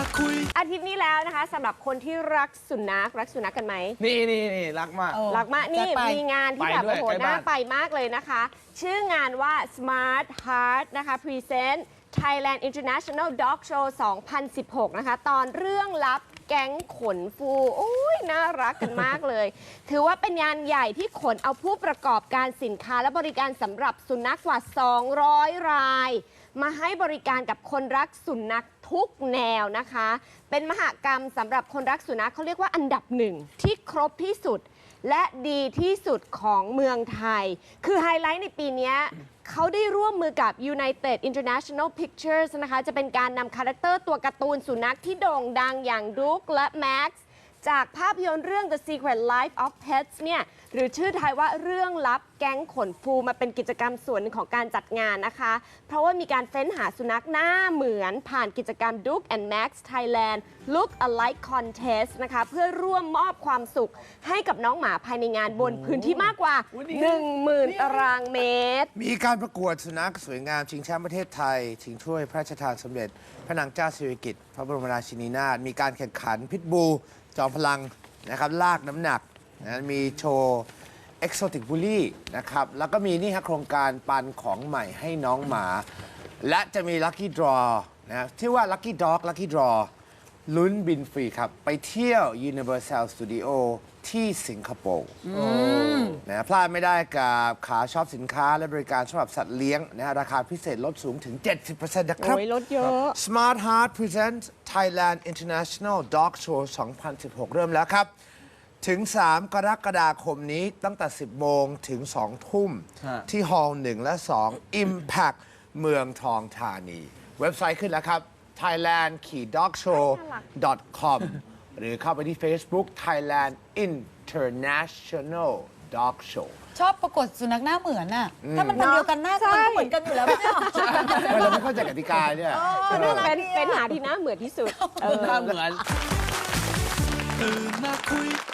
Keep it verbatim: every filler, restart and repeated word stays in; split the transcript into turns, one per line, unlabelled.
อาทิตย์นี้แล้วนะคะสำหรับคนที่รักสุนัขรักสุนัขกันไหม
นี่นี่นี่รักมาก
รักมากนี่มีงานที่แบบ
ไปด้วย
โอ้โห
ใกล้บ้าน
น่าไปมากเลยนะคะ ชื่องานว่า Smart Heart นะคะ Present Thailand International Dog Show สองพันสิบหก นะคะ ตอนเรื่องลับแก๊งขนฟูโอ้ยน่ารักกันมากเลย ถือว่าเป็นงานใหญ่ที่ขนเอาผู้ประกอบการสินค้าและบริการสำหรับสุนัขกว่า สองร้อย ราย มาให้บริการกับคนรักสุนัขทุกแนวนะคะ เป็นมหกรรมสำหรับคนรักสุนัขเขาเรียกว่าอันดับหนึ่งที่ครบที่สุด และดีที่สุดของเมืองไทย คือไฮไลท์ในปีนี้เขาได้ร่วมมือกับ United International Pictures นะคะ จะเป็นการนำคาแรคเตอร์ตัวการ์ตูนสุนัขที่โด่งดังอย่างดุ๊กและแม็กซ์จากภาพยนตร์เรื่อง The Secret Life of Pets เนี่ยหรือชื่อไทยว่าเรื่องลับแก๊งขนฟูมาเป็นกิจกรรมส่วนหนึ่งของการจัดงานนะคะ เพราะว่ามีการเฟ้นหาสุนัขหน้าเหมือนผ่านกิจกรรม Duke and Max Thailand Look Alike Contest นะคะเพื่อร่วมมอบความสุขให้กับน้องหมาภายในงานบนพื้นที่มากกว่า หนึ่งหมื่น ตารางเมตร
มีการประกวดสุนัขสวยงามชิงแชมป์ประเทศไทยชิงถ้วยพระราชทานสมเด็จพระนางเจ้าสิริกิติ์พระบรมราชินีนาถมีการแข่งขันพิทบูลจอมพลังนะครับลากน้ำหนักนะมีโชว์เอ็กโซติกบูลลี่นะครับแล้วก็มีนี่ฮะโครงการปันของใหม่ให้น้องหมา และจะมีลัคกี้ดรอนะที่ว่าลัคกี้ด็อกลัคกี้ดรอลุ้นบินฟรีครับ ไปเที่ยว Universal Studio ที่สิงคโปร์นะพลาดไม่ได้กับขาช็อปสินค้าและบริการสำหรับสัตว์เลี้ยงนะฮะราคาพิเศษลดสูงถึง เจ็ดสิบเปอร์เซ็นต์ นะครับ
โอ้ยลดเยอะ
Smart Heart Presents Thailand International Dog Show สองพันสิบหก เริ่มแล้วครับ ถึง สาม กรกฎาคมนี้ตั้งแต่ สิบ โมงถึง สอง ทุ่ม ที่ฮอลล์หนึ่งและ สอง Impact เมืองทองธานี เว็บไซต์ขึ้นแล้วครับ thailand dog show dot com หรือเข้าไปที่ Facebook Thailand International Dog Show
ชอบประกวดสุนัขหน้าเหมือนน่ะ ถ้ามันพันธุ์เดียวกันหน้ามันก็เหมือนกันอยู่แล้วไม่ใช่หรอ
ไม่เราไม่เข้าใจกติกาเนี่ย
เป็นเป็นหาที่น่าเหมือนที่สุด
หน้าเหมือน